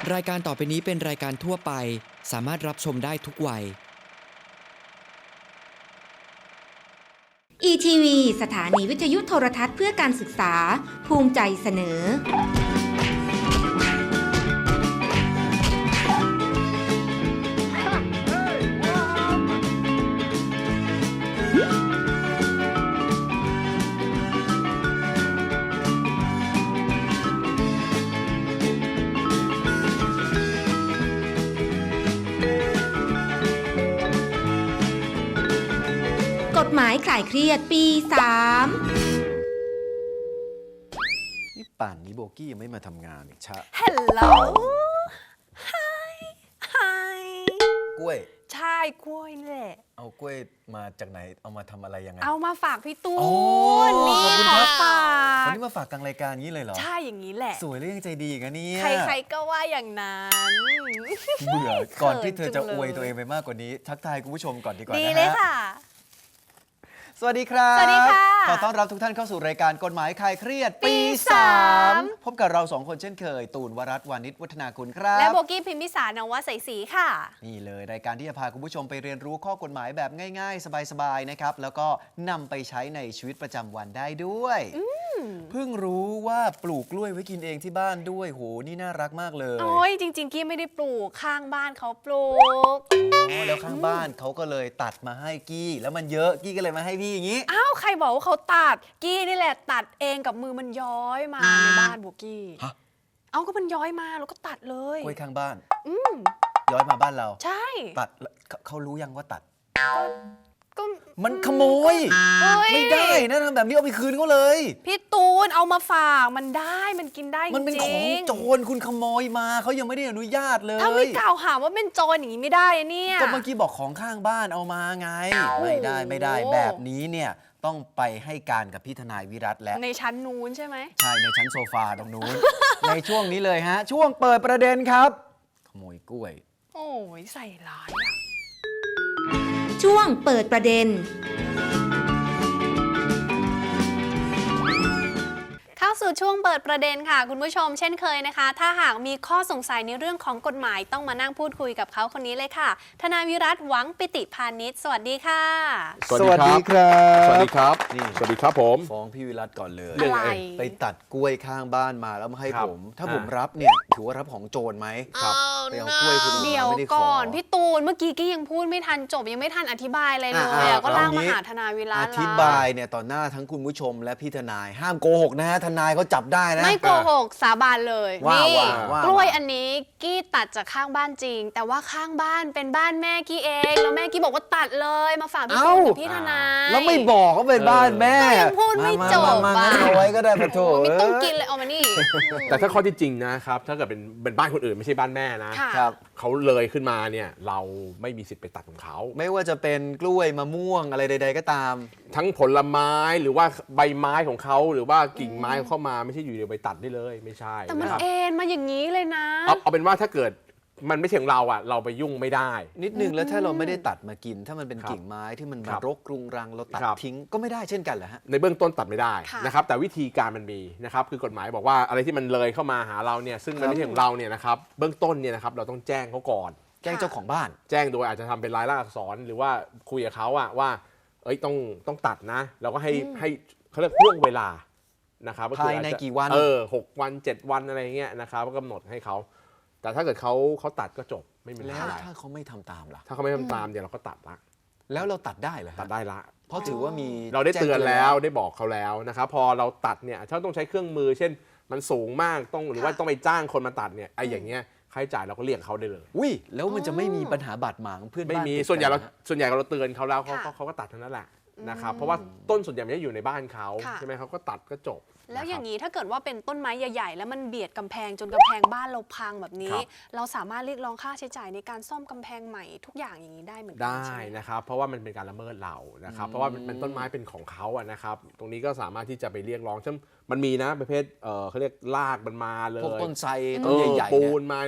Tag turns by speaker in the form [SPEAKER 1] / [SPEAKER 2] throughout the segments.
[SPEAKER 1] รายการต่อไปนี้เป็นรายการทั่วไปสามารถรับชมได้ทุกวัย
[SPEAKER 2] ETV สถานีวิทยุโทรทัศน์เพื่อการศึกษาภูมิใจเสนอกฎหมายคลายเครียดปี 3
[SPEAKER 3] นี่ป่านนี้โบกี้ยังไม่มาทำงานอีกชะ
[SPEAKER 4] Hello Hi Hi
[SPEAKER 3] กล้วย
[SPEAKER 4] ใช่กล้วยนี่แหละ
[SPEAKER 3] เอากล้วยมาจากไหนเอามาทำอะไรยังไง
[SPEAKER 4] เอามาฝากพี่ตู
[SPEAKER 3] โอ้
[SPEAKER 4] นนี่
[SPEAKER 3] ขอบคุณ
[SPEAKER 4] ข
[SPEAKER 3] ค
[SPEAKER 4] อ
[SPEAKER 3] รับ
[SPEAKER 4] ฝาก
[SPEAKER 3] วันนี้มาฝากกลางรายการนี้เลยเหรอ
[SPEAKER 4] ใช่อย่างนี้แหละ
[SPEAKER 3] สวยและยังใจดีอีกันเนี่ย
[SPEAKER 4] ใครๆก็ว่าอย่างนั้น
[SPEAKER 3] เบื่อก่อนที่เธอจะ
[SPEAKER 4] เขินจังเลย
[SPEAKER 3] อวยตัวเองไปมากกว่านี้ ทักทายคุณผู้ชมก่อนดีกว่า
[SPEAKER 4] ดี
[SPEAKER 3] นะ
[SPEAKER 4] เลย
[SPEAKER 3] ฮะ
[SPEAKER 4] ค่ะ
[SPEAKER 3] สวัสดีครับ
[SPEAKER 4] สวัสดีค่ะ
[SPEAKER 3] ขอต้อนรับทุกท่านเข้าสู่รายการกฎหมายคลายเครียดปี
[SPEAKER 4] ปี
[SPEAKER 3] 3พบกับเรา2คนเช่นเคย ตูนวรัตน์วานิชวัฒนาคุณครับ
[SPEAKER 4] และโบกี้พิมพิสารนวใสศรีค่ะ
[SPEAKER 3] นี่เลยรายการที่จะพาคุณผู้ชมไปเรียนรู้ข้อกฎหมายแบบง่ายๆ สบายๆนะครับแล้วก็นำไปใช้ในชีวิตประจำวันได้ด้วยเพิ่งรู้ว่าปลูกกล้วยไว้กินเองที่บ้านด้วยโหนี่น่ารักมากเลย
[SPEAKER 4] โอ้ยจริงๆกี้ไม่ได้ปลูกข้างบ้านเขาปลูก
[SPEAKER 3] อ๋อแล้วข้างบ้านเขาก็เลยตัดมาให้กี้ แล้วมันเยอะกี้ก็เลยมาให้พี่อย่างนี้
[SPEAKER 4] อ้าวใครบอกว่าเขาตัดกี้นี่แหละตัดเองกับมือมันย้อยมาในบ้านโบกี้
[SPEAKER 3] ฮะ
[SPEAKER 4] เอาก็มันย้อยมาแล้วก็ตัดเลย
[SPEAKER 3] กล้วยข้างบ้าน
[SPEAKER 4] อืม
[SPEAKER 3] ย้อยมาบ้านเรา
[SPEAKER 4] ใช่
[SPEAKER 3] ตัดแล้วเขารู้ยังว่าตัด
[SPEAKER 4] ก็
[SPEAKER 3] มันขโมย
[SPEAKER 4] เฮ้ย
[SPEAKER 3] ไม่ได้นะทำแบบนี้เอาไปคืนเขาเลย
[SPEAKER 4] พี่ตูนเอามาฝากมันได้มันกินได้จริงๆ
[SPEAKER 3] มันเป็นของโจรคุณขโมยมาเขายังไม่ได้อนุญาตเลย
[SPEAKER 4] ถ้าไม่กล่าวหาว่าเป็นโจรอย่างนี้ไม่ได้อะเนี่ย
[SPEAKER 3] ก็เมื่อกี้บอกของข้างบ้านเอามาไง
[SPEAKER 4] โอ้โห
[SPEAKER 3] ไม่ได้แบบนี้เนี่ยต้องไปให้การกับพี่ทนายวิรัตแล้ว
[SPEAKER 4] ในชั้นนู้นใช่ไหม
[SPEAKER 3] ใช่ในชั้นโซฟาตรงนู้น ในช่วงนี้เลยฮะ ช่วงเปิดประเด็นครับ ขโมยกล้วย
[SPEAKER 4] โอ้ยใส่ร้ายอะ
[SPEAKER 2] ช่วงเปิดประเด็น
[SPEAKER 4] เข้าสู่ช่วงเปิดประเด็นค่ะ คุณผู้ชมเช่นเคยนะคะ ถ้าหากมีข้อสงสัยในเรื่องของกฎหมายต้องมานั่งพูดคุยกับเขาคนนี้เลยค่ะทนายวิรัตหวังปิติพานิชสวัสดีค่ะ
[SPEAKER 3] สวัสดีครับ
[SPEAKER 5] สวัสดีครับ
[SPEAKER 3] นี่
[SPEAKER 5] สวัสดีครับผม
[SPEAKER 3] ฟ้องพี่วิรัตก่อนเลย
[SPEAKER 4] อะไร
[SPEAKER 3] ไปตัดกล้วยข้างบ้านมาแล้วมาให้
[SPEAKER 5] ครับ
[SPEAKER 3] ผม ถ้าผมรับเนี่ยถือว่ารับของโจรไหม
[SPEAKER 5] ครับ
[SPEAKER 3] ไปเอากล้วยคุณ
[SPEAKER 4] เดี๋ยว
[SPEAKER 3] ไม่ได้ข
[SPEAKER 4] ก่อนพี่ตูนเมื่อกี้กี้ยังพูดไม่ทันจบยังไม่ทันอธิบายอะไรเลยอะก็ลากมาหาทนายวิรั
[SPEAKER 3] อ
[SPEAKER 4] ต
[SPEAKER 3] ธิบายเนี่ยต่อหน้าทั้งคุณผู้ชมและพี่ทนาย ห้ามโกหกนะฮะทนายเขาจับได้นะ
[SPEAKER 4] ไม่โกหกสาบานเลย
[SPEAKER 3] ว่า
[SPEAKER 4] นี่
[SPEAKER 3] ว่า
[SPEAKER 4] กล้วยอันนี้กี้ตัดจากข้างบ้านจริง แต่ว่าข้างบ้านเป็นบ้านแม่กี้เองแล้วแม่กี้บอกว่าตัดเลยมาฝากพี่ตูนกับพี่ทนาย
[SPEAKER 3] แล้วไม่บอกว่าเป็นบ้านแม่
[SPEAKER 4] ก็ยังพูดไม่จบ
[SPEAKER 3] มา
[SPEAKER 4] อ่ะ
[SPEAKER 3] งั้นเอาไว้ก็ได้ปะโถ
[SPEAKER 4] โอ้ยไม่ต้องกินเลยเอามานี่
[SPEAKER 5] แต่ถ้าข้อที่จริงนะครับ ถ้าเกิดเป็นบ้านคนอื่นไม่ใช่บ้านแม่นะ
[SPEAKER 4] ค่ะ
[SPEAKER 3] ครับ
[SPEAKER 5] เขาเลยขึ้นมาเนี่ยเราไม่มีสิทธิ์ไปตัดของเขา
[SPEAKER 3] ไม่ว่าจะเป็นกล้วยมะม่วงอะไรใด ๆ ก็ตาม
[SPEAKER 5] ทั้งผลไม้หรือว่าใบไม้ของเขาหรือว่ากิ่งไม้ของเข้ามาไม่ใช่อยู่เดียวไปตัดได้เลยไม่ใช่
[SPEAKER 4] แต่มัน
[SPEAKER 5] นะครับ
[SPEAKER 4] เอ็นมาอย่างนี้เลยนะ
[SPEAKER 5] เอาเป็นว่าถ้าเกิดมันไม่ใช่ของเราอ่ะเราไปยุ่งไม่ได้
[SPEAKER 3] นิดนึงแล้วถ้าเราไม่ได้ตัดมากิน ถ้ามันเป็น
[SPEAKER 5] ครับ
[SPEAKER 3] กิ่งไม้ที่มัน
[SPEAKER 5] ค
[SPEAKER 3] มา
[SPEAKER 5] รับ
[SPEAKER 3] รกรุงรังเราตัด
[SPEAKER 5] ครับ
[SPEAKER 3] ทิ้งก็ไม่ได้เช่นกันเหรอฮะ
[SPEAKER 5] ในเบื้องต้นตัดไม่ได้
[SPEAKER 4] ค่ะ
[SPEAKER 5] นะครับแต่วิธีการมันมีนะครับคือกฎหมายบอกว่าอะไรที่มันเลยเข้ามาหาเราเนี่ยซึ่งมันไม่ใช่ของเราเนี่ยนะครับเบื้องต้นเนี่ยนะครับเราต้องแจ้งเขาก่อน
[SPEAKER 3] แจ้งเจ้าของบ้าน
[SPEAKER 5] แจ้งโดยอาจจะทำเป็นลายลักษณ์อักษรหรือว่าคุยกับเขาอะว่าเอ้ยต้องตัดนะเราก็ให้เขาเรียกห่วงเวลานะครับก็คือ
[SPEAKER 3] ภายใน
[SPEAKER 5] อจจะ
[SPEAKER 3] กี่วัน
[SPEAKER 5] 6 วัน 7 วันอะไรเงี้ยนะครับก็กำหนดให้เขาแต่ถ้าเกิดเขาตัดก็จบไม่มีปัญ
[SPEAKER 3] แล้
[SPEAKER 5] หาว อะไร
[SPEAKER 3] ถ้าเขาไม่ทำตามล่ะ
[SPEAKER 5] ถ้าเขาไม่ทำตามเดี๋ยวเราก็ตัดละ
[SPEAKER 3] แล้วเราตัดได้เหรอฮะ
[SPEAKER 5] ตัดได้ละ
[SPEAKER 3] เพราะถือว่ามี
[SPEAKER 5] เราได้เตือน
[SPEAKER 3] จ้ง
[SPEAKER 5] แล้วได้บอกเขาแล้วนะครับพอเราตัดเนี่ยถ้าต้องใช้เครื่องมือ เช่นมันสูงมากต้องหรือว่าต้องไปจ้างคนมาตัดเนี่ยไอ้อย่างเงี้ยค่าใช้จ่ายเราก็เรียกเขาได้เลย
[SPEAKER 3] อุ้ยแล้วมันจะไม่มีปัญหาบาดหมางเพื่อน
[SPEAKER 5] ไม่
[SPEAKER 3] บ้าน
[SPEAKER 5] มี
[SPEAKER 3] ติด
[SPEAKER 5] ส่วนใหญ่
[SPEAKER 3] กั
[SPEAKER 5] เรา
[SPEAKER 3] ฮะ
[SPEAKER 5] เตือนเขาแล้วเขา
[SPEAKER 4] ค่ะ
[SPEAKER 5] เขาก็ตัดเท่านั้นแหละนะครับเพราะว่าต้นส่วนใหญ่ไม่ได้อยู่ในบ้านเขา
[SPEAKER 4] ค่ะ
[SPEAKER 5] ใช่ไหมเขาก็ตัดก็จบ
[SPEAKER 4] แล้วอย่าง
[SPEAKER 5] นี้
[SPEAKER 4] นี้ถ้าเกิดว่าเป็นต้นไม้ใหญ่ๆ แล้วมันเบียดกำแพงจนกำแพงบ้านเราพังแบบนี้
[SPEAKER 5] ครับ
[SPEAKER 4] เราสามารถเรียกร้องค่าใช้จ่ายในการซ่อมกำแพงใหม่ทุกอย่างอย่างนี้ได้เหมือนกั
[SPEAKER 5] ได้
[SPEAKER 4] ใช่ไหม
[SPEAKER 5] นะครับเพราะว่ามันเป็นการละเมิดเรานะครับเพราะว่ามันต้นไม้เป็นของเขาอะนะครับตรงนี้ก็สามารถที่จะไปเรียกร้องเช่นมันมีนะประเภทเขาเรียกลากมันมาเลย
[SPEAKER 3] พวกต้นไทร
[SPEAKER 5] เอ
[SPEAKER 3] ต้น
[SPEAKER 5] อ
[SPEAKER 3] ใหญ่ๆ
[SPEAKER 5] ปู
[SPEAKER 3] เนี่ย
[SPEAKER 5] นมาผ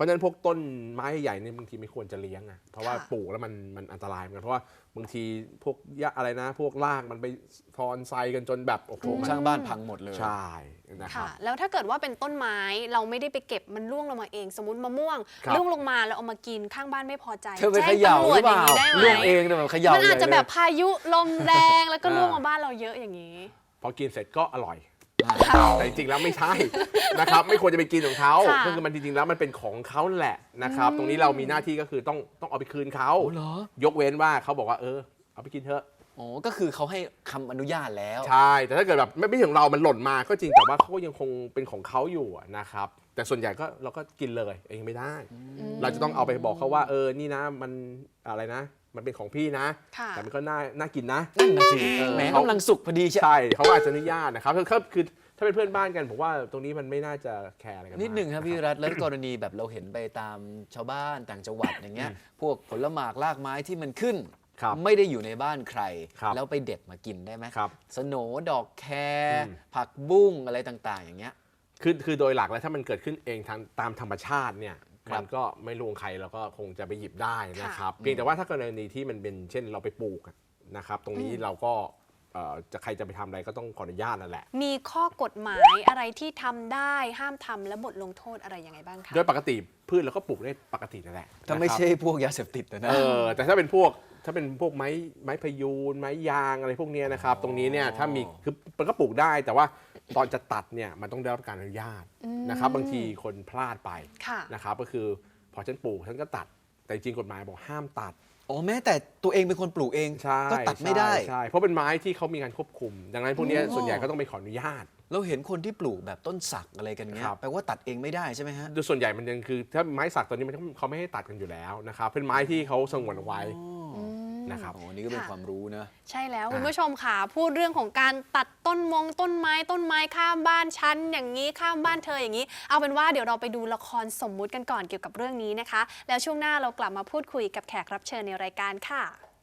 [SPEAKER 5] ราะฉะนั้นพวกต้นไม้ใหญ่เนี่ยบางทีไม่ควรจะเลี้ยงอ่ะเพราะว่า
[SPEAKER 4] ค่ะ
[SPEAKER 5] ปลูกแล้วมันอันตรายเหมือนกันเพราะว่าบางทีพวกหญ้าอะไรนะ พวกรากมันไปทอนไซกันจนแบบโอ้โห
[SPEAKER 3] โครงสร้างบ้านพังหมดเลย
[SPEAKER 5] ใช่นะครับ
[SPEAKER 4] ค่ะ แล้วถ้าเกิดว่าเป็นต้นไม้เราไม่ได้ไปเก็บมันร่วงลงมาเอง สมมติมะม่วง
[SPEAKER 5] ครับ
[SPEAKER 4] ร่วงลงมาแล้วเอามากินข้างบ้านไม่พอใจ
[SPEAKER 3] เธอไปเขย่าหรือเปล่า
[SPEAKER 4] แจ้งตำรวจอย่างนี้ได้ไหม
[SPEAKER 3] เรื่องเองเนี่ยแบบเขย่า
[SPEAKER 4] มันอาจจะ
[SPEAKER 3] ใหญ่เลย
[SPEAKER 4] แบบพายุลมแรงแล้วก็ร่วงมาบ้านเราเยอะอย่างนี้
[SPEAKER 5] พอกินเสร็จก็อร่อย
[SPEAKER 4] ค่ะ
[SPEAKER 5] แต่จริงๆแล้วไม่ใช่ นะครับไม่ควรจะไปกินของเขา
[SPEAKER 4] ค่ะ
[SPEAKER 5] ก็คือมันจริงๆแล้วมันเป็นของเขาแหละนะครับตรงนี้เรามีหน้าที่ก็คือต้องเอาไปคืนเขา
[SPEAKER 3] โอ้เหรอ
[SPEAKER 5] ยกเว้นว่าเขาบอกว่าเอาไปกินเถอะ
[SPEAKER 3] อ๋อก็คือเขาให้คำอนุญาตแล้ว
[SPEAKER 5] ใช่แต่ถ้าเกิดแบบไม่ถึงเรามันหล่นมาก็จริงแต่ว่าเขาก็ยังคงเป็นของเขาอยู่นะครับแต่ส่วนใหญ่ก็เราก็กินเลยเองไม่ได้ เราจะต้องเอาไปบอกเขาว่านี่นะมันอะไรนะ มันเป็นของพี่นะ
[SPEAKER 4] ค่ะ
[SPEAKER 5] แต่มันก็น่ากินนะ
[SPEAKER 3] นั่นนะสิ
[SPEAKER 5] เออ
[SPEAKER 3] แหมกำลังสุกพอดีใช่
[SPEAKER 5] ใช่เขาก็อาจจะอนุญาตนะครับคือถ้าเป็นเพื่อนบ้านกันผมว่าตรงนี้มันไม่น่าจะแคร์อะไรกัน
[SPEAKER 3] นิดหนึ่งครับ
[SPEAKER 5] มาก
[SPEAKER 3] พี่รัฐแล้วกรณีแบบเราเห็นไปตามชาวบ้านต่างจังหวัดอย่างเงี้ยพวกผลหมากรากไม้ที่มันขึ้น
[SPEAKER 5] ครับ
[SPEAKER 3] ไม่ได้อยู่ในบ้านใคร
[SPEAKER 5] ครับ
[SPEAKER 3] แล้วไปเด็ดมากินได้ไหม
[SPEAKER 5] ครับ
[SPEAKER 3] สโหนดอกแคร
[SPEAKER 5] อืม
[SPEAKER 3] ผักบุ้งอะไรต่างๆ อย่างเงี้ย
[SPEAKER 5] คือโดยหลักแล้วถ้ามันเกิดขึ้นเองตามธรรมชาติเนี่ย
[SPEAKER 3] ครับ
[SPEAKER 5] มันก็ไม่ลวงใครเราก็คงจะไปหยิบได้นะครับ
[SPEAKER 3] ค่ะ
[SPEAKER 5] เพียงแต่ว่าถ้ากรณีที่มันเป็นเช่นเราไปปลูกอะนะครับ ตรงนี้เราก็ใครจะไปทำอะไรก็ต้องขออนุญาตนั่นแหละ
[SPEAKER 4] มีข้อกฎหมายอะไรที่ทำได้ห้ามทำและบทลงโทษอะไรยังไงบ้างคะ
[SPEAKER 5] โดยปกติพืชเราก็ปลูกได้ปกตินั่นแหละ
[SPEAKER 3] ถ้าไม่
[SPEAKER 5] นะครับ
[SPEAKER 3] ใช่พวกยาเสพติดนะ
[SPEAKER 5] แต่ถ้าเป็นพวกไม้พยูนไม้ยางอะไรพวกเนี้ยนะครับ ตรงนี้เนี่ยถ้ามีคือมันก็ปลูกได้ แต่ว่าตอนจะตัดเนี่ยมันต้องได้รับการอนุญาตนะครับ บางทีคนพลาดไป
[SPEAKER 4] ค่ะ
[SPEAKER 5] นะครับก็คือพอฉันปลูกฉันก็ตัด แต่จริงกฎหมายบอกห้ามตัด
[SPEAKER 3] อ๋อแม้แต่ตัวเองเป็นคนปลูกเอง
[SPEAKER 5] ใช่
[SPEAKER 3] ก็ตัดไม่ได้
[SPEAKER 5] ใช่เพราะเป็นไม้ที่เขามีการควบคุม ดังนั้นพวกเนี้ยส่วนใหญ่ก็ต้องไปขออนุญาต
[SPEAKER 3] เราเห็นคนที่ปลูกแบบต้นสักอะไรกันเงี้ย
[SPEAKER 5] ครับ
[SPEAKER 3] แปลว่าตัดเองไม่ได้ใช่ไหมฮะ
[SPEAKER 5] โดยส่วนใหญ่มันยังคือถ้าไม้สักตัวนี้เขาไม่ให้ตัดกันอยู่แล้วนะครับเป็นไม้ที่เขาสงวนเอาไว้นะครับ
[SPEAKER 3] อ๋อนี่ก็เป็น
[SPEAKER 4] ค่ะ
[SPEAKER 3] ความรู้นะ
[SPEAKER 4] ใช่แล้ว
[SPEAKER 5] อ่า
[SPEAKER 4] คุณผู้ชมค่ะพูดเรื่องของการตัดต้นไม้ข้ามบ้านฉันอย่างนี้ข้ามบ้านเธออย่างนี้ เอาเป็นว่าเดี๋ยวเราไปดูละครสมมุติกันก่อนเกี่ยวกับเรื่องนี้นะคะ แล้วช่วงหน้าเรากลับมาพูดคุยกับแขกรับเชิญในรายการค่ะ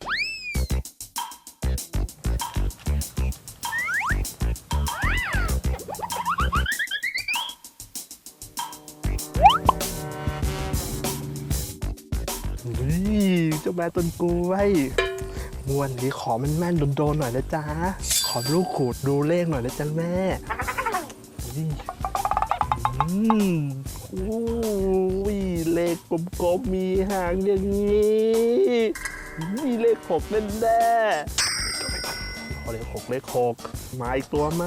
[SPEAKER 6] เจ้าแม่ต้นกล้วยงวดนี้ขอมันแม่นโดนๆหน่อยนะจ๊ะ ขอลูกขูดดูเลขหน่อยนะจ๊ะแม่นี่โอ้ยเลขกลมๆมีหางอย่างนี้มีเลข6แน่ๆขอเลข6เลข6มาอีกตัวไหม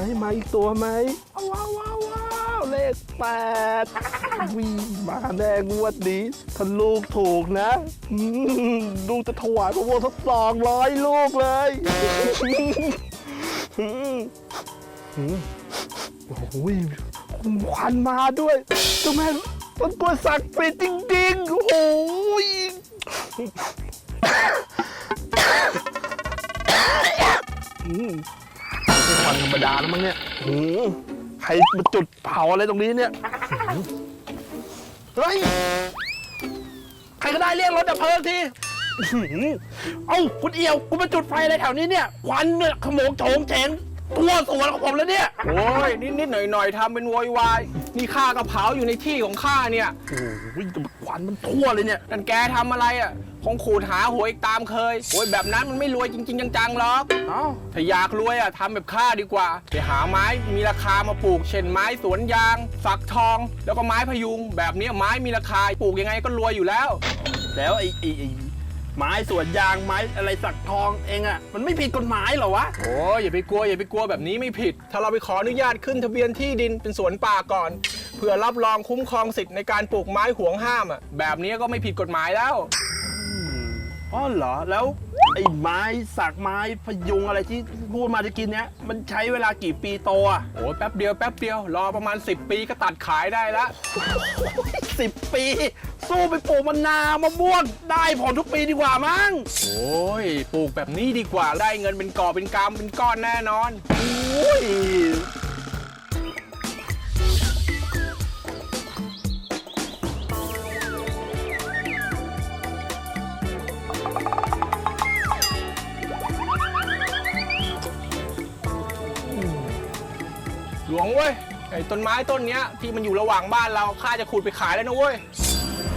[SPEAKER 6] ว้าวเลข8วิ่งมาแน่งวดนี้ถ้าลูกถูกนะลูกจะถวายพระวงศ์สัก200 ลูกเลยโอ้โหควันมาด้วยเจ้าแม่ต้นกล้วยศักดิ์สิทธิ์จริงๆโอ้โหไม่ควันธรรมดาแล้วมั้งเนี่ยใครมาจุดเผาอะไรตรงนี้เนี่ยเฮ้ยใครก็ได้เรียกรถดับเพลิงทีเอ้าคุณเอี่ยวคุณมาจุดไฟอะไรแถวนี้เนี่ยควันเนี่ยขโมงโฉงเฉงทั่วสวนของผมแล้วเนี่ย
[SPEAKER 7] โอ้ยนิดหน่อยทำเป็นโวยวายนี่ข้ากระเผาอยู่ในที่ของข้าเนี่ย
[SPEAKER 6] โอ้ยควันมันทั่วเลยเนี่ย
[SPEAKER 7] นั่นแกทำอะไรอ่ะคงขูดหาหวยอีกตามเคยโอ้ยแบบนั้นมันไม่รวยจริงๆจังๆหรอก
[SPEAKER 6] เอ้า
[SPEAKER 7] ถ้าอยากรวยอ่ะทำแบบข้าดีกว่าไปหาไม้มีราคามาปลูกเช่นไม้สวนยางฝักทอง แล้วก็ไม้พยุง แบบนี้ไม้มีราคาปลูกยังไงก็รวยอยู่แล้ว
[SPEAKER 6] แล้วไอ้ไม้สวนยางไม้อะไรสักทองเองอะมันไม่ผิดกฎหมายเหรอวะ
[SPEAKER 7] โอ้ยอย่าไปกลัวแบบนี้ไม่ผิด ถ้าเราไปขออนุญาตขึ้นทะเบียนที่ดินเป็นสวนป่าก่อนเพื่อรับรองคุ้มครองสิทธิ์ในการปลูกไม้ห่วงห้ามอ่ะแบบนี้ก็ไม่ผิดกฎหมายแล้ว
[SPEAKER 6] อ๋อเหรอแล้วไอ้ไม้สักไม้พยุงอะไรที่พูดมาตะกี้เนี้ยมันใช้เวลากี่ปีโตอะ
[SPEAKER 7] โอ้ยแป๊บเดียวรอประมาณ10 ปีก็ตัดขายได้แล้ว
[SPEAKER 6] 10 ปี สู้ไปปลูกมะนาวมะม่วงได้ผลทุกปีดีกว่ามั้ง
[SPEAKER 7] โอ้ยปลูกแบบนี้ดีกว่าได้เงินเป็นกอบเป็นกำเป็นก้อนแน่นอน
[SPEAKER 6] โอ้ย
[SPEAKER 7] หลวงเว้ยไอ้ต้นไม้ต้นเนี้ยที่มันอยู่ระหว่างบ้านเราข้าจะขุดไปขายแล้วนะเว้ย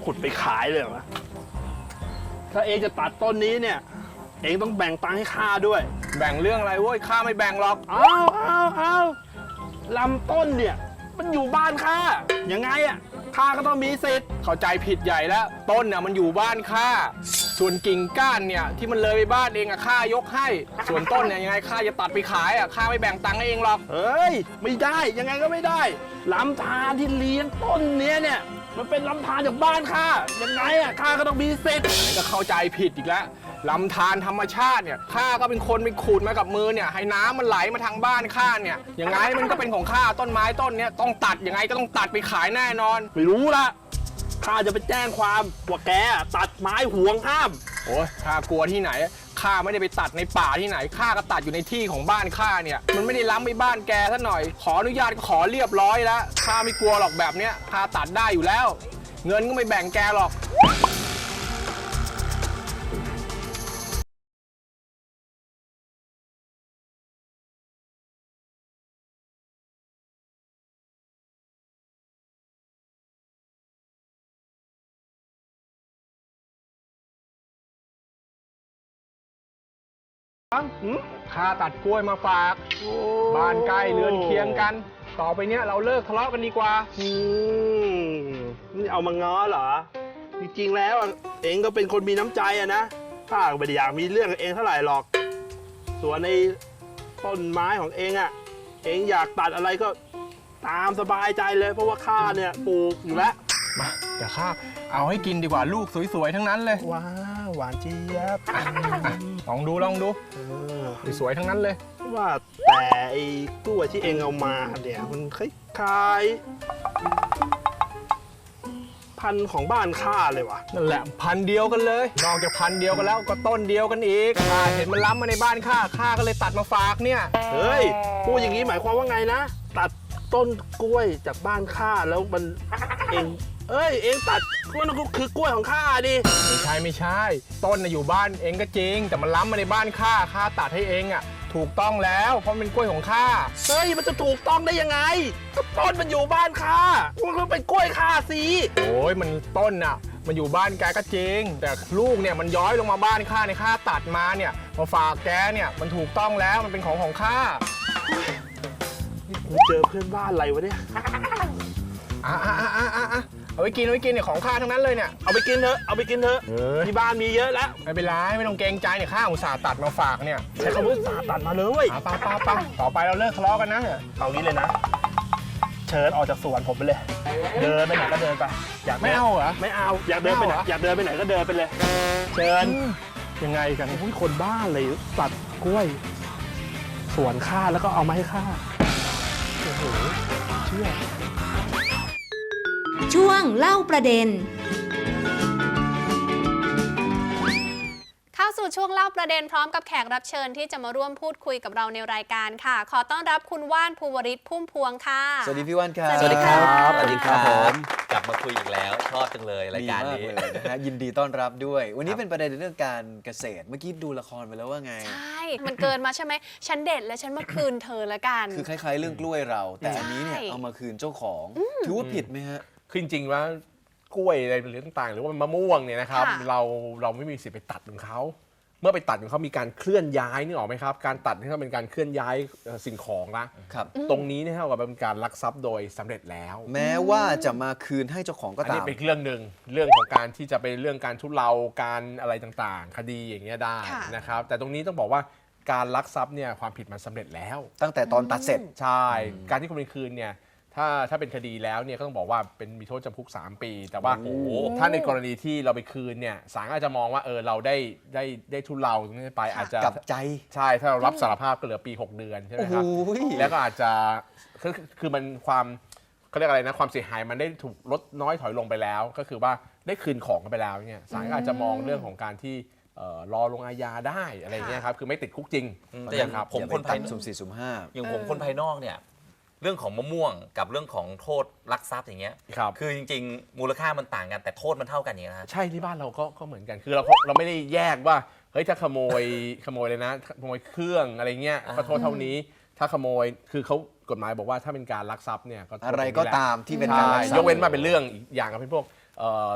[SPEAKER 6] ขุดไปขายเลยเหรอวะถ้าเองจะตัดต้นนี้เนี่ย เองต้องแบ่งตังค์ให้ข้าด้วย
[SPEAKER 7] แบ่งเรื่องอะไรเว้ยข้าไม่แบ่งหรอก
[SPEAKER 6] เอาลำต้นเนี่ย มันอยู่บ้านข้ายังไงอ่ะข้าก็ต้องมีสิทธิ์
[SPEAKER 7] เข้าใจผิดใหญ่แล้วต้นน่ะมันอยู่บ้านข้าส่วนกิ่งก้านเนี่ยที่มันเลยไปบ้านเองอะข้ายกให้ ส่วนต้นเนี่ยยังไงข้าจะตัดไปขายอะข้าไม่แบ่งตังค์ให้เองหรอก
[SPEAKER 6] เฮ้ย ไม่ได้ยังไงก็ไม่ได้ลำธารที่เลี้ยงต้นเนี้ยเนี่ย มันเป็นลำธารจากบ้านข้ายังไงอ่ะข้าก็ต้องมีสิทธิ์
[SPEAKER 7] นี่ก็เข้าใจผิดอีกแล้วลำธารธรรมชาติเนี่ยข้าก็เป็นคนไปขูดมากับมือเนี่ยให้น้ำมันไหลมาทางบ้านข้าเนี่ยยังไงมันก็เป็นของข้าต้นไม้ต้นเนี้ยต้องตัดยังไงก็ต้องตัดไปขายแน่นอน
[SPEAKER 6] ไม่รู้ละข้าจะไปแจ้งความว่าแกตัดไม้ห่วงห้าม
[SPEAKER 7] โอ้ยข้ากลัวที่ไหนข้าไม่ได้ไปตัดในป่าที่ไหนข้าก็ตัดอยู่ในที่ของบ้านข้าเนี่ยมันไม่ได้ล้ำไปบ้านแกซะหน่อยขออนุญาตก็ขอเรียบร้อยแล้วข้าไม่กลัวหรอกแบบเนี้ยข้าตัดได้อยู่แล้ว เงินก็ไม่แบ่งแกหรอก ข้าตัดกล้วยมาฝากบ้านใกล้เรือนเคียงกัน ต่อไปเนี้ยเราเลิกทะเลาะกันดีกว่า
[SPEAKER 6] นี่เอามาง้อเหรอ จริงๆแล้วเองก็เป็นคนมีน้ำใจอะนะข้าก็ไม่ได้อยากมีเรื่องกับเองเท่าไหร่หรอก ส่วนในต้นไม้ของเองอะเองอยากตัดอะไรก็ตามสบายใจเลย เพราะว่าข้าเนี่ยปลูกอยู่แล้ว
[SPEAKER 7] มาเดี๋ยวข้าเอาให้กินดีกว่าลูกสวยๆทั้งนั้นเลย
[SPEAKER 6] ว้าวหวานเจี๊ยบ
[SPEAKER 7] ลองดูสวยๆทั้งนั้นเลย
[SPEAKER 6] ว่าแต่ไอ้กล้วยที่เองเอามาเนี่ยมันคล้ายๆพันธุ์ของบ้านข้าเลยว่ะ
[SPEAKER 7] นั่นแหละพันธุ์เดียวกันเลย นอกจากพันธุ์เดียวกันแล้วก็ต้นเดียวกันอีกข้าเห็นมันล้ำมาในบ้านข้าก็เลยตัดมาฝากเนี่ย
[SPEAKER 6] เฮ้ยพูดอย่างนี้หมายความว่าไงนะ ตัดต้นกล้วยจากบ้านข้าแล้วมันเองเองตัดกล้วยนั่นก็คือกล้วยของข้าดิ
[SPEAKER 7] ไม่ใช่ ต้นน่ะอยู่บ้านเองก็จริง แต่มันล้ำมาในบ้านข้าตัดให้เองอ่ะถูกต้องแล้วเพราะมันเป็นกล้วยของข้า
[SPEAKER 6] เฮ้ยมันจะถูกต้องได้ยังไงก็ต้นมันอยู่บ้านข้ามันก็เป็นกล้วยข้าสิ
[SPEAKER 7] โอ้ยมันต้นน่ะมันอยู่บ้านแกก็จริง แต่ลูกเนี่ยมันย้อยลงมาบ้านข้าในข้าตัดมาเนี่ยมาฝากแกเนี่ยมันถูกต้องแล้วมันเป็นของข้า
[SPEAKER 6] กูเจอเพื่อนบ้านอะไรวะเนี่ย
[SPEAKER 7] เอาไว้กินเนี่ยของข้าทั้งนั้นเลยเนี่ย
[SPEAKER 6] เอาไปกินเถอะที่บ้านมีเยอะแล้ว
[SPEAKER 7] ไม่เป็นไรไม่ต้องเกรงใจเนี่ยข้าอุตส่าห์ตัดมาฝากเนี่ย
[SPEAKER 6] ใช้คำว่าสาตัดมาเลย
[SPEAKER 7] ไปต่อไปเราเลิกทะเลาะกันนะ
[SPEAKER 6] เอางี้เลยนะ เชิญออกจากสวนผมไปเลย เดินไปไหนก็เดินไปอยาก
[SPEAKER 7] ไม่เอาเหรอ
[SPEAKER 6] ไม่เอาอยากเดินไปไหนอยากเดินไปไหนก็เดินไปเลย เชิญ
[SPEAKER 7] ยังไงกัน
[SPEAKER 6] โอ้ยคนบ้าเลยตัดกล้วย สวนข้าแล้วก็เอามาให้ข้าโอ้โหเชื่อ
[SPEAKER 2] ช่วงเล่าประเด็น
[SPEAKER 4] เข้าสู่ช่วงเล่าประเด็นพร้อมกับแขกรับเชิญที่จะมาร่วมพูดคุยกับเราในรายการค่ะ ขอต้อนรับคุณว่านภูวริศพุ่มพวงค่ะ
[SPEAKER 3] สวัสดีพี่ว่านครับ
[SPEAKER 4] สวัสดีครับ
[SPEAKER 3] สวัสดีครับผม
[SPEAKER 8] กลับมาคุยอีกแล้วชอบจังเลยรายการ
[SPEAKER 3] ดี
[SPEAKER 8] นี้
[SPEAKER 3] มากเลยนะฮะยินดีต้อนรับด้วย วันนี้เป็นประเด็นเรื่องการเกษตรเมื่อกี้ดูละครไปแล้วว่าไง
[SPEAKER 4] ใช่ มันเกินมาใช่ไหมฉันเด็ดและฉันมาคืนเธอละกัน
[SPEAKER 3] คือคล้ายๆเรื่องกล้วยเรา แต่อันนี้เนี่ย
[SPEAKER 4] ใช่
[SPEAKER 3] เอามาคืนเจ้าของถือว่าผิดไหมฮะ
[SPEAKER 5] คือจริงๆว่ากล้วยอะไรหรือต่างๆ หรือว่ามะม่วงเนี่ยนะครับ
[SPEAKER 4] ค่ะ
[SPEAKER 5] เราไม่มีสิทธิ์ไปตัดของเขาเมื่อไปตัดของเขามีการเคลื่อนย้ายนี่ออกไหมครับการตัดนี่ก็เป็นการเคลื่อนย้ายสิ่งของนะครับ ตรงนี้เนี่ยเท่ากับเป็นการลักทรัพย์โดยสำเร็จแล้ว
[SPEAKER 3] แม้ว่าจะมาคืนให้เจ้าของก็
[SPEAKER 5] อัน
[SPEAKER 3] ตา
[SPEAKER 5] นี้
[SPEAKER 3] ม
[SPEAKER 5] เป็นเรื่องหนึ่งเรื่องของการที่จะเป็นเรื่องการทุเลาการอะไรต่างๆ คดีอย่างเงี้ยได้
[SPEAKER 4] ค่ะ
[SPEAKER 5] นะครับแต่ตรงนี้ต้องบอกว่าการลักทรัพย์เนี่ยความผิดมันสำเร็จแล้ว
[SPEAKER 3] ตั้งแต่ตอนตัดเสร็จ
[SPEAKER 5] ใช่ การที่คุณไปคืนเนี่ยถ้าเป็นคดีแล้วเนี่ยก็ต้องบอกว่าเป็นมีโทษจำคุก 3 ปี แต่ว่า
[SPEAKER 3] โอ้โห
[SPEAKER 5] ถ้าในกรณีที่เราไปคืนเนี่ยศาลอาจจะมองว่าเราได้ทุเลาตรงนี้ไปอาจจะ
[SPEAKER 3] กลับใจ
[SPEAKER 5] ใช่ถ้าเรารับสารภาพก็เหลือปี 6 เดือนใช่ไหม
[SPEAKER 3] โอ้โห
[SPEAKER 5] ครับแล้วก็อาจจะคือมันความเขาเรียกอะไรนะความเสียหายมันได้ถูกลดน้อยถอยลงไปแล้ว ก็คือว่าได้คืนของกันไปแล้วเนี่ยศาลก็อาจจะมองเรื่องของการที่รอลงอาญาได้อะไรเงี้ยครับคือไม่ติดคุกจริง
[SPEAKER 8] แต่อย่าง
[SPEAKER 5] ครับ
[SPEAKER 8] ผม
[SPEAKER 3] อย่าไป
[SPEAKER 8] คนภาย
[SPEAKER 3] ตัดสุ่มสี่สุ่มห้า
[SPEAKER 8] อย่างผมคนภายนอกเนี่ยเรื่องของมะม่วงกับเรื่องของโทษลักทรัพย์อย่างเงี้ย
[SPEAKER 5] ครับ
[SPEAKER 8] คือจริงๆ มูลค่ามันต่างกันแต่โทษมันเท่ากันอย่างเงี้ยนะ
[SPEAKER 5] ใช่ที่บ้านเราก็เหมือนกันคือเราไม่ได้แยกว่าเฮ้ยถ้าขโมยเลยนะขโมยเครื่องอะไรเงี้ยก็โทษเท่านี้ถ้าขโมยคือเขากฎหมายบอกว่าถ้าเป็นการลักทรัพย์เนี่ยก็โทษ
[SPEAKER 3] อะไร
[SPEAKER 5] ตงนี้
[SPEAKER 3] ก็
[SPEAKER 5] แหละ
[SPEAKER 3] ตามที่เป็น
[SPEAKER 5] ใช่
[SPEAKER 3] การลักทรัพย์
[SPEAKER 5] ยกเว้นมาเป็นเรื่องอีกอย่างกับเป็นพวกค